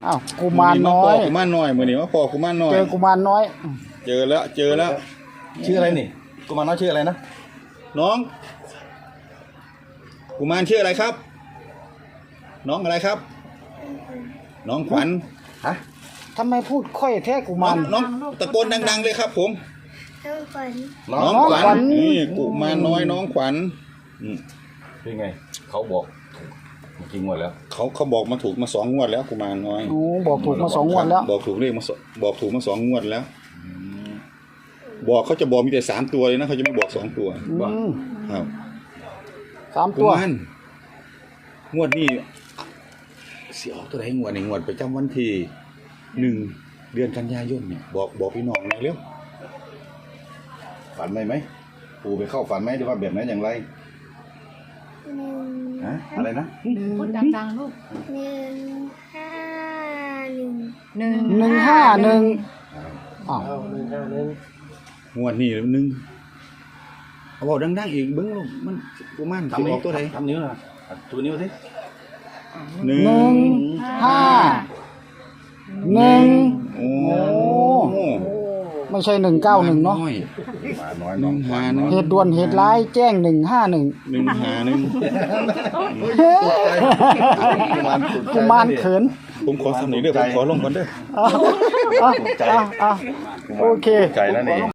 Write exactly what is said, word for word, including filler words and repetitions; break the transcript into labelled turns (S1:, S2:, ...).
S1: อ้าวกุมารน้อย
S2: กุมารน้อยมือนี้ว่าพอกุมารน้อย
S1: เจอกุมารน้อย
S2: เจอแล้วเจอแล้ว
S3: ชื่ออะไรนี่กุมารน้อยชื่ออะไรนะ
S2: น้องกุมารชื่ออะไรครับ น้องอะไรครับ น้องขวัญ
S3: ฮะ
S1: ทำไมพูดค่อยแท้กุ
S2: น้
S1: มา
S2: อง
S1: ร
S2: น้องตะโกนดังๆเลยครับ ผม
S4: น้องขวัญ
S3: น้อง
S2: น้อง
S1: น้อง
S2: ขวั
S1: ขวั
S2: ญ
S1: ญ
S2: นี่กุมารน้อยน้องขวัญอืม
S3: เป็นไงเขาบอกถูกจริงหมดแล้ว
S2: เขาเขาบอกมาถูกมาสองงวดแล้วกุมารน้อย
S1: โอ้บอกถูกมาสองงวดแล้ว
S2: บอกถูกเลขมาสบอกถูกมาสองงวดแล้ว บอกเขาจะบอกมีแต่สามตัวเลยนะเขาจะไม่บอกสองตัว
S1: อืม
S2: ครับ
S1: สาม
S2: กุ
S1: ตัว
S2: มารงวดนี้เสียออกตัวไหนงวดในงวดประจำวันที่หนึ่งเดือนกันยายนเนี่ยบอกบอกพี่น้องหน่อยเร็ว
S3: ฝันไหมไหมปู่ไปเข้าฝันไหมหรือว่าแบบไหนอย่างไร
S4: หนึ่ง
S3: ฮะอะไรนะ
S5: พูดดังๆลูก
S4: หนึ่งห้าหนึ่ง
S5: หนึ่ง
S1: หนึ่งห้าหนึ่งอ้าว
S2: งวดนี้หนึ่งเอาบอกดังๆอีกเบิ้งลูกมันกุมารสิออกตัวไหน
S3: ทำนิ้วนะตัวนิ้วสิ
S2: หนึ่
S1: หนึ่
S2: ง
S1: งห้าหนึ่ง
S2: โอ้
S1: โอ้ ไม่ใช่หนึ่งเก้าหนึ่งเนาะ
S2: อย
S3: มาน้อย
S2: ห
S3: น้
S2: นึ่
S3: อง
S2: ง
S3: ขวั
S2: หา
S3: ญ
S2: หนึ่ง
S1: เหตุด่วนเหตุร้ายแจ้งหนึ่งห้าหนึ่ง
S2: หนึ่งหาหนึ่ง
S3: กุมารถูกใจ
S1: กุมารเขิน
S2: ผมขอสำเนียงเด้อผมขอลงก่อนเด้อ
S1: อ่ะอ่ะอ่ะอ่ะโอเค
S3: ใจแล้วนี่